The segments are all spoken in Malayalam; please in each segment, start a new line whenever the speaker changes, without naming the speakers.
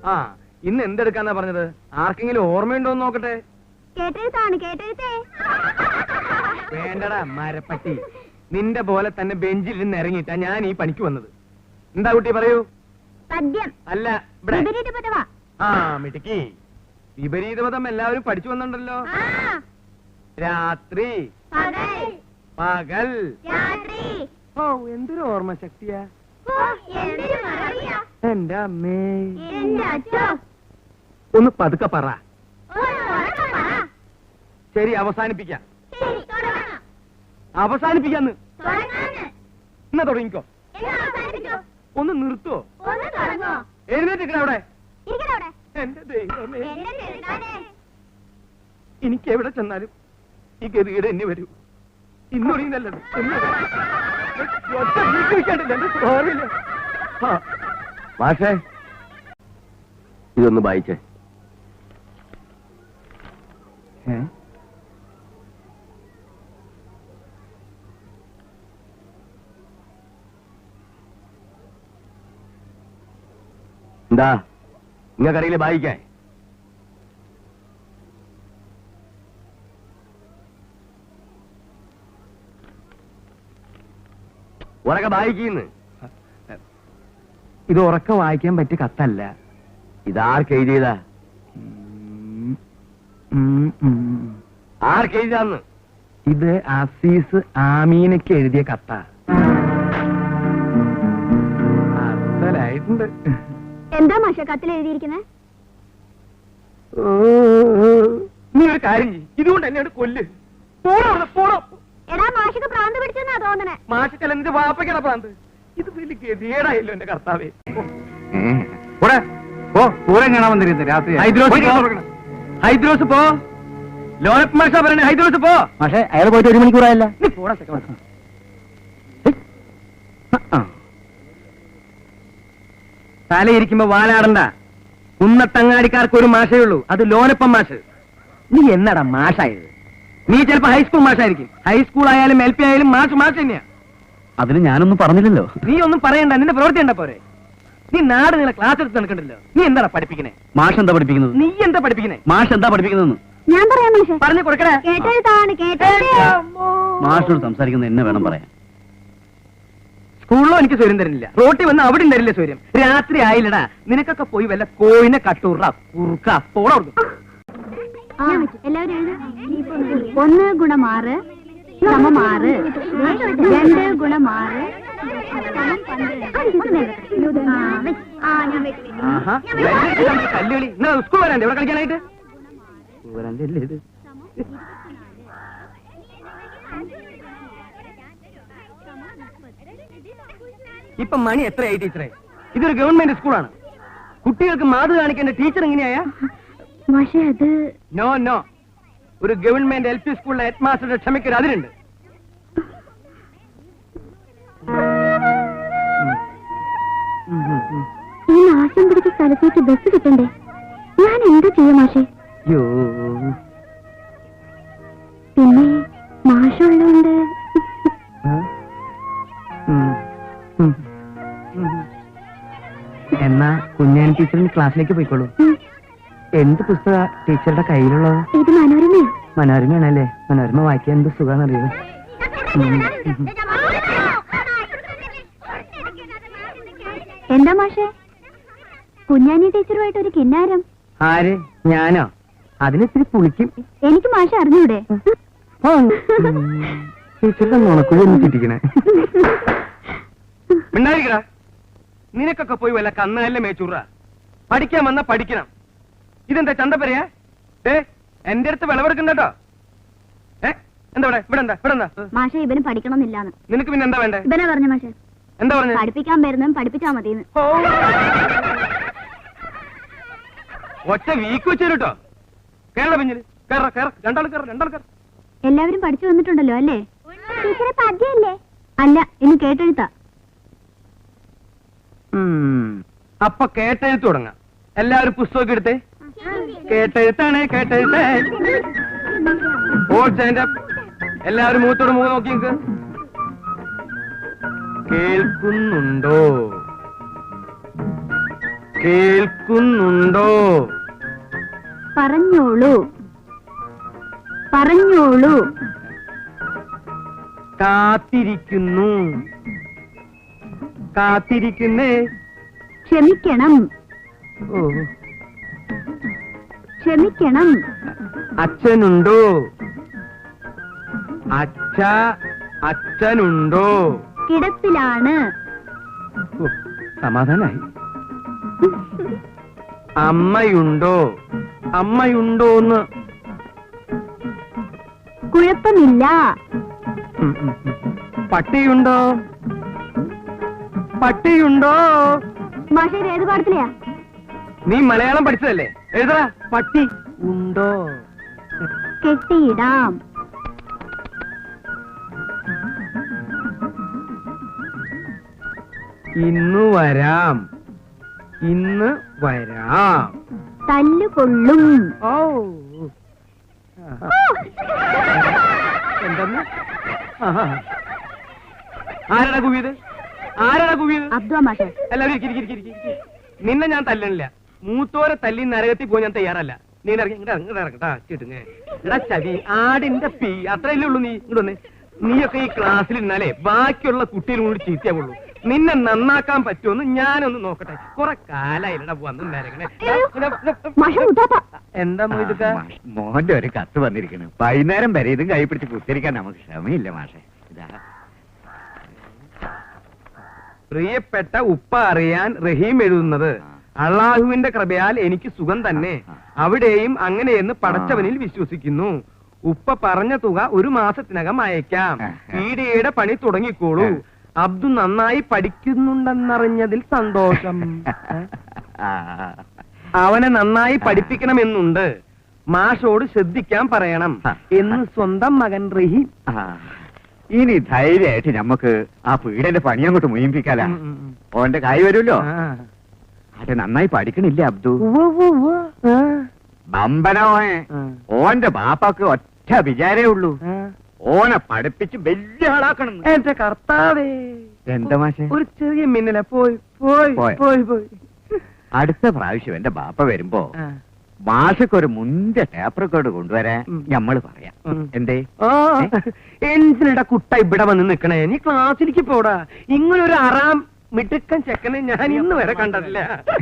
ആ ഇന്ന് എന്തെടുക്കാന്നാ പറഞ്ഞത്? ആർക്കെങ്കിലും ഓർമ്മയുണ്ടോ എന്ന് നോക്കട്ടെ. വേണ്ടടാ മരപ്പട്ടി, നിന്റെ പോലെ തന്നെ ബെഞ്ചിൽ നിന്ന് ഇറങ്ങിയിട്ടാ ഞാൻ ഈ പണിക്ക് വന്നത്. എന്താ കുട്ടി പറയൂ. അല്ല ഇവിടെ. ആ മിടുക്കി. വിപരീതമതം എല്ലാവരും പഠിച്ചു വന്നിട്ടുണ്ടല്ലോ. രാത്രി പകൽ. ഓ എന്തൊരു ഓർമ്മ ശക്തിയാ എന്റെ അമ്മേ. ഒന്ന് പതുക്കെ പറ. ശരി അവസാനിപ്പിക്കാം. അവസാനിപ്പിക്കാന്ന്. എന്നാ തുടങ്ങിക്കോ. ഒന്ന് നിർത്തുവോ? എഴുന്നേറ്റിക്കണ അവിടെ. എന്റെ ദൈവമേ, എനിക്ക് എവിടെ ചെന്നാലും ഈ ഗതികേട് എന്നെ വരൂ. ഇന്നൊറിയുന്നല്ലത്
മാഷേ, ഇതൊന്ന് വായിച്ചേ. എന്താ നിങ്ങൾക്കറിയില്ല വായിക്കാൻ? ഉറക്കെ വായിക്കുന്നു.
ഇത് ഉറക്കെ വായിക്കാൻ പറ്റിയ കത്തല്ല.
ഇതാർക്കെഴുതിയതാ? ആർക്കെഴുതാന്ന്?
ഇത് അസീസ് ആമീനയ്ക്ക് എഴുതിയ കത്താ. അസലായിട്ടുണ്ട്.
എന്താ മാഷ കത്തിൽ എഴുതിയിരിക്കുന്നത്?
നീ ഒരു കാര്യം ചെയ്യ്, ഇതുകൊണ്ട് എന്നെ കൊല്ല്. പോടോ.
എടാ മാഷക്ക് പ്രാന്ത് പിടിച്ചെന്നാ തോന്നണേ.
മാഷിക്കല്ല എന്റെ വാപ്പയ്ക്കട പ്രാന്ത്. ഇത് വലിയ ഗതികേടായല്ലോ എന്റെ കർത്താവേ.
പൂരം കാണാൻ വന്നിരുന്നു രാത്രി.
ഹൈദ്രോസ് പോ. ലോനപ്പ് മാഷ പറയണേ, ഹൈദ്രോസ് പോ.
പക്ഷേ അയാൾ പോയിട്ട് 1 മണിക്കൂറായല്ല.
നീ പോടാ സെക്കൻഡ്. തലയിരിക്കുമ്പോ വാലാടണ്ട. കുന്നത്തങ്ങാടിക്കാർക്ക് ഒരു മാഷേ ഉള്ളൂ, അത് ലോനപ്പം മാഷ്. നീ എന്നടാ മാഷായത്? നീ ചിലപ്പോ ഹൈസ്കൂൾ മാഷായിരിക്കും. ഹൈസ്കൂൾ ആയാലും LP ആയാലും മാഷ് തന്നെയാ.
അതിന് ഞാനൊന്നും പറഞ്ഞില്ലല്ലോ.
നീ ഒന്നും പറയണ്ട, നിന്റെ പ്രവൃത്തി ഉണ്ടാ പോരെ. നീ നാട് നിങ്ങളെ ക്ലാസ് എടുത്ത് നടക്കണ്ടല്ലോ. നീ എന്താ പഠിപ്പിക്കണേ?
മാഷ് എന്താ പഠിപ്പിക്കുന്നത്?
നീ എന്താ പഠിപ്പിക്കണേ?
മാഷ് എന്താ പഠിപ്പിക്കുന്നത്?
ഞാൻ പറയാം മാഷെ.
പറഞ്ഞു കൊടുക്കണേ.
മാഷോട് സംസാരിക്കുന്നത് എന്നെ വേണം പറയാൻ.
സ്കൂളിലോ എനിക്ക് സ്വരം തരുന്നില്ല, റോട്ടിൽ വന്ന് അവിടെ തരില്ല സ്വരം. രാത്രി ആയില്ലടാ, നിനക്കൊക്കെ പോയി വല്ല കോഴിനെ കട്ടൂറ കുറുക്ക പോളോ.
എല്ലാവരും 1 ഗുണം 6 സമം 6, 2 ഗുണം 6
കല്ലുകളി. സ്കൂൾ വരാണ്ട് ഇവിടെ കളിക്കാനായിട്ട് വരാണ്ടല്ലേ ഇത്. ഇപ്പൊ മണി എത്രയായി ടീച്ചറെ? ഇതൊരു ഗവൺമെന്റ് സ്കൂളാണ്. കുട്ടികൾക്ക് മാതൃ കാണിക്കേണ്ട ടീച്ചർ എങ്ങനെയാ? നോ, ഒരു ഗവൺമെന്റ് LP സ്കൂളിലെ ഹെഡ് മാസ്റ്ററുടെ ക്ഷമയ്ക്കൊരു അതിരുണ്ട്.
ഈ നാശം പിടിച്ച സ്ഥലത്തേക്ക് ബസ് കിട്ടണ്ടേ? ഞാൻ എന്താ ചെയ്യാം മാഷേ? പിന്നെ മാഷുള്ളതുകൊണ്ട്
എന്നാ കുഞ്ഞാൻ ടീച്ചറിന് ക്ലാസ്സിലേക്ക് പോയിക്കോളൂ. എന്ത് പുസ്തക ടീച്ചറുടെ കയ്യിലുള്ളത്?
ഇത് മനോരമയോ?
മനോരമയാണല്ലേ. മനോരമ വായിക്കാൻ എന്ത് സുഖാന്നറിയോ?
എന്താ മാഷേ കുഞ്ഞാനി ടീച്ചറുമായിട്ട് ഒരു കിന്നാരം?
ആര്? ഞാനോ? അതിനിത്തിരി പുളിക്കും.
എനിക്ക് മാഷ അറിഞ്ഞൂടെ?
ടീച്ചറുടെ നുണക്കുഴി ഒന്ന് ചുറ്റിക്കണേ. മിണ്ടായിരിക്കടാ. നിനക്കൊക്കെ പോയി വല്ല കന്നല്ലേ മേച്ചൂറ. പഠിക്കാൻ വന്നാ പഠിക്കണം. ഇതെന്താ ചന്തപ്പരയാ? എന്റെ അടുത്ത് വിളവെടുക്കണ്ടോ? എന്താ ഇവിടെ എന്താ?
മാഷ ഇവന് പഠിക്കണമെന്നില്ലാന്ന്.
നിനക്ക് പിന്നെ എന്താ വേണ്ടേ?
ഇവനെ പറഞ്ഞു മാഷെ.
എന്താ പറഞ്ഞു?
പഠിപ്പിക്കാൻ വരുന്നതും പഠിപ്പിച്ചാ മതിന്ന്.
ഒറ്റ വീക്ക് വെച്ചേട്ടോ. കേരള പിഞ്ഞില് രണ്ടാൾ കയറ.
എല്ലാവരും പഠിച്ചു വന്നിട്ടുണ്ടല്ലോ അല്ലേ? ടീച്ചറെ പദ്യല്ലേ? അല്ല, ഇനി കേട്ടെഴുത്താ.
അപ്പൊ കേട്ടെഴുത്ത് തുടങ്ങാം. എല്ലാവരും പുസ്തകം എടുത്തേ. കേട്ടെഴുത്താണ് കേട്ടെഴുത്തേ. എല്ലാവരും മൂത്തോട് മൂന്ന് നോക്കി നിൽക്ക്. കേൾക്കുന്നുണ്ടോ? കേൾക്കുന്നുണ്ടോ?
പറഞ്ഞോളൂ. പറഞ്ഞോളൂ.
കാത്തിരിക്കുന്നു. കാത്തിരിക്കുന്നേ.
ക്ഷമിക്കണം.
ഓ.
ക്ഷമിക്കണം.
അച്ഛനുണ്ടോ? അച്ഛനുണ്ടോ?
കിടപ്പിലാണ്.
ഓ, സമാധാനായി. അമ്മയുണ്ടോ? അമ്മയുണ്ടോന്ന്?
കുഴപ്പമില്ല.
പട്ടിയുണ്ടോ? പട്ടിയുണ്ടോ?
മാഷേ ഏത് പാടത്തിലെയാ?
നീ മലയാളം പഠിച്ചതല്ലേ? എഴുതറ. പട്ടി ഉണ്ടോ?
കെട്ടിയിടാം.
ഇന്ന് വരാം. ഇന്ന് വരാം.
തല്ലുകൊള്ളും.
ഓ. എന്തെന്ന്? ആരാടാ കുവിയത്? ആരാടാ കുവിയത്?
അബ്ദുള്ള മാഷേ.
എല്ലാവരും ഇരിക്ക്. നിന്നെ ഞാൻ തല്ലണില്ല. മൂത്തോരെ തല്ലി നരകത്തിൽ പോയി ഞാൻ തയ്യാറല്ല. നീ ഇറങ്ങട്ടാ ചിട്ടുങ്ങ. എടാ ചവി ആടിന്റെ പീ അത്രയല്ലേ ഉള്ളൂ. നീ ഇങ്ങോട്ട് വന്നേ. നീയൊക്കെ ഈ ക്ലാസ്സിൽ ഇരുന്നാലേ ബാക്കിയുള്ള കുട്ടികളും കൂടി ചീത്തയാവുള്ളൂ. നിന്നെ നന്നാക്കാൻ പറ്റുമെന്ന് ഞാനൊന്ന് നോക്കട്ടെ. കുറെ കാലായില്ലടാ വന്നിരുന്നേ. എന്താ മൊയ്തുക്ക?
മോന്റെ ഒരു കത്ത് വന്നിരിക്കുന്നു. വൈകുന്നേരം വരെ ഇതും കൈ പിടിച്ച് കുത്തിരിക്കാൻ നമുക്ക് ക്ഷമയില്ല മാഷെ. ഇതാ
പ്രിയപ്പെട്ട ഉപ്പ അറിയാൻ റഹീം എഴുതുന്നത്. അള്ളാഹുവിന്റെ കൃപയാൽ എനിക്ക് സുഖം തന്നെ. അവിടെയും അങ്ങനെയെന്ന് പടച്ചവനിൽ വിശ്വസിക്കുന്നു. ഉപ്പ പറഞ്ഞ തുക 1 മാസത്തിനകം അയക്കാം. പീഡിയയുടെ പണി തുടങ്ങിക്കോളൂ. അബ്ദു നന്നായി പഠിക്കുന്നുണ്ടെന്നറിഞ്ഞതിൽ സന്തോഷം. അവനെ നന്നായി പഠിപ്പിക്കണമെന്നുണ്ട്. മാഷോട് ശ്രദ്ധിക്കാൻ പറയണം എന്ന് സ്വന്തം മകൻ റഹീം.
ഇനി ധൈര്യമായിട്ട് നമുക്ക് ആ പീഡന്റെ പണി അങ്ങോട്ട് മുയിപ്പിക്കാലാ. ഓന്റെ കായ് വരുമല്ലോ. അത് നന്നായി പഠിക്കണില്ല അബ്ദു. ബമ്പനോയെ ഓന്റെ ബാപ്പാക്ക് ഒറ്റ വിചാരേ ഉള്ളൂ. ഓനെ പഠിപ്പിച്ച് വലിയ ആളാക്കണം.
എന്റെ കർത്താവേ.
എന്താ മാഷെ?
ഒരു ചെറിയ മിന്നല പോയി.
അടുത്ത പ്രാവശ്യം എന്റെ ബാപ്പ വരുമ്പോ മാഷക്കൊരു മുന്തിയ ടേപ്പ് റെക്കോർഡ് കൊണ്ടുവരാൻ ഞമ്മള് പറയാം. എന്തേ?
എന്തിനടാ കുട്ട ഇവിടെ വന്ന് നിക്കണേ? നീ ക്ലാസ്സിലേക്ക് പോടാ. ഇങ്ങനൊരു അറാം മിടുക്കൻ ചെക്കനെ ഞാൻ ഇന്ന് വരെ കണ്ടിട്ടില്ല.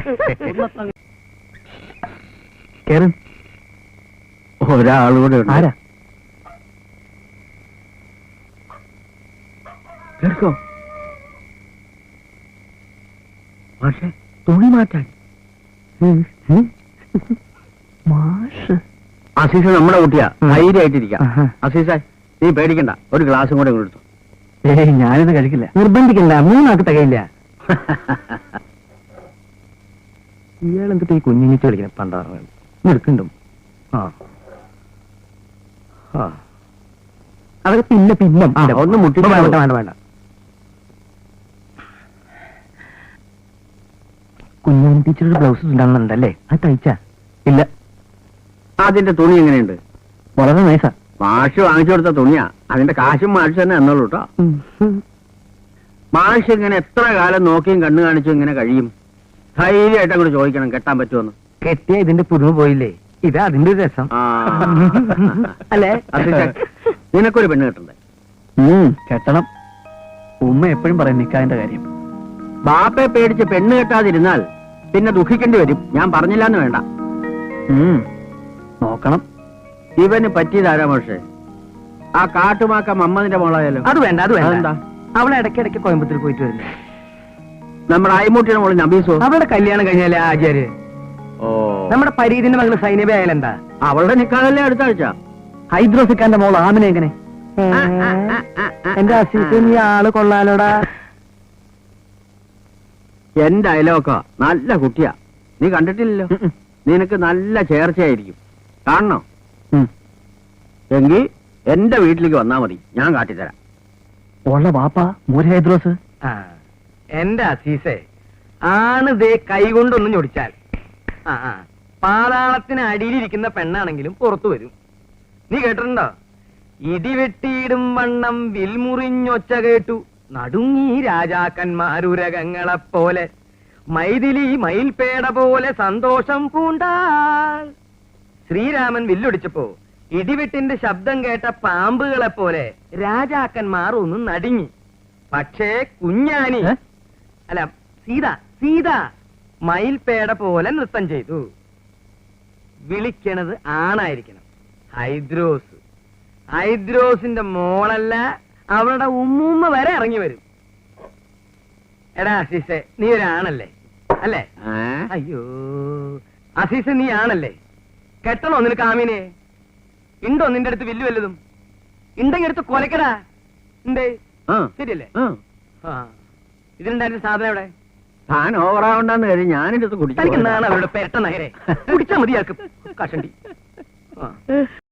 ഒരാളൂടെ
ആരാ?
കേൾക്കോ
മാഷെ തുണി മാറ്റാൻ. മാഷ്
അസീസ നമ്മുടെ കുട്ടിയാ. ധൈര്യമായിട്ടിരിക്കാം. അസീസ നീ പേടിക്കണ്ട. ഒരു ഗ്ലാസും കൂടെ കൊടുത്തു.
ഞാനിത് കഴിക്കില്ല. നിർബന്ധിക്കണ്ട. 3 ആൾക്ക് തികയില്ല. ഇയാളെന്തിട്ട് ഈ കുഞ്ഞിങ്ങിച്ച് കളിക്കണ പണ്ടാണ് എടുക്കണ്ടും. അതൊക്കെ പിന്നെ
ഒന്ന് മുട്ടി
വേണ്ട. കുഞ്ഞാൻ ടീച്ചറുടെ ബ്ലൗസസ് ഉണ്ടാകുന്നുണ്ടല്ലേ? അത് തയ്ച്ചാ? ഇല്ല.
അതിന്റെ തുണി എങ്ങനെയുണ്ട്?
വളരെ നൈസാ.
മാഷ് വാങ്ങിച്ചു കൊടുത്ത തുണിയാ. അതിന്റെ കാശും മാഷ് തന്നെ എന്നോളൂ കേട്ടോ. മാഷ് ഇങ്ങനെ എത്ര കാലം നോക്കിയും കണ്ണു കാണിച്ചും ഇങ്ങനെ കഴിയും? ധൈര്യമായിട്ട് അങ്ങോട്ട് ചോദിക്കണം കെട്ടാൻ പറ്റുമെന്ന്.
കെട്ടിയ ഇതിന്റെ പുതുമ പോയില്ലേ? ഇതാ അതിന്റെ ഒരു രസം അല്ലേ?
നിനക്കൊരു പെണ്ണ് കെട്ടണ്ടേ?
കെട്ടണം. ഉമ്മ എപ്പോഴും പറയും നിക്കാതിന്റെ കാര്യം.
ബാപ്പയെ പേടിച്ച് പെണ്ണ് കെട്ടാതിരുന്നാൽ പിന്നെ ദുഃഖിക്കേണ്ടി വരും. ഞാൻ പറഞ്ഞില്ലാന്ന് വേണ്ട.
നോക്കണം.
ഇവന് പറ്റിയതാരാ മാഷേ? ആ കാട്ടുമാക്ക മമ്മതിന്റെ മോളായാലോ?
അത് വേണ്ട.
എന്താ?
അവളെ ഇടയ്ക്കിടയ്ക്ക് കോയമ്പത്തൂർ പോയിട്ട് വരുന്നു.
നമ്മുടെ അയ്മൂട്ടിയുടെ മോള് നബീസോ?
അവളുടെ കല്യാണം കഴിഞ്ഞാലേ ആചാര്യ.
ഓ,
നമ്മുടെ പരീതിന്റെ മകള് സൈനബ ആയാലെന്താ?
അവളുടെ നിക്കാതല്ലേ അടുത്ത ആഴ്ച.
ഹൈദ്രോസിക്കാന്റെ മോള് ആമിനെ എങ്ങനെ? എന്റെ അസീസ് നീ ആള് കൊള്ളാലോടാ.
എന്റെ അയലോക്ക നല്ല കുട്ടിയാ. നീ കണ്ടിട്ടില്ലല്ലോ. നിനക്ക് നല്ല ചേർച്ചയായിരിക്കും. കാണണോ? എങ്കിൽ എന്റെ വീട്ടിലേക്ക് വന്നാ മതി. ഞാൻ കാട്ടിത്തരാം.
ഉള്ള വാപ്പ മൂര് ഹൈദ്രോസ്. എന്റെ അസീസേ ആണ് ദേ കൈകൊണ്ടൊന്നും ഞൊടിച്ചാൽ പാതാളത്തിന് അടിയിലിരിക്കുന്ന പെണ്ണാണെങ്കിലും പുറത്തു വരും. നീ കേട്ടിട്ടുണ്ടോ? ഇടിവെട്ടിയിടും വണ്ണം വിൽമുറിഞ്ഞൊച്ച കേട്ടു നടുങ്ങി രാജാക്കന്മാരുരകങ്ങളെപ്പോലെ. മൈഥിലി മയിൽപേട പോലെ സന്തോഷം പൂണ്ടാൾ. ശ്രീരാമൻ വില്ലൊടിച്ചപ്പോ ഇടിവെട്ടിന്റെ ശബ്ദം കേട്ട പാമ്പുകളെ പോലെ രാജാക്കന്മാർ ഒന്ന് നടുങ്ങി. പക്ഷേ കുഞ്ഞാനി അല്ല സീത സീത മയിൽപേട പോലെ നൃത്തം ചെയ്തു. വിളിക്കണത് ആണായിരിക്കണം. ഹൈദ്രോസ്. ഹൈദ്രോസിന്റെ മോളല്ല, അവളുടെ ഉമ്മൂമ്മ വരെ ഇറങ്ങി വരും. എടാ അസീസെ, നീ ഒരാണല്ലേ അല്ലേ? അയ്യോ അസീസെ, നീ ആണല്ലേ? കെട്ടണോ നിനക്ക് ആമീനെ? ഉണ്ടോ നിന്റെ അടുത്ത് വില്ലു വല്ലതും? ഉണ്ടെങ്കിൽ എടുത്ത് കൊലക്കടാ. എന്തേ ശരിയല്ലേ? ഇതിലുണ്ടായിരുന്ന സാധനം എവിടെ?
താൻ ഓവറാവണ്ടെന്ന് കരുതി ഞാനെടുത്ത് കുടിച്ചു.
തനിക്ക് നാളെ അവരുടെ പെരട്ട നഗരെ കുടിച്ചാൽ മതിയാക്കും കഷണ്ടി.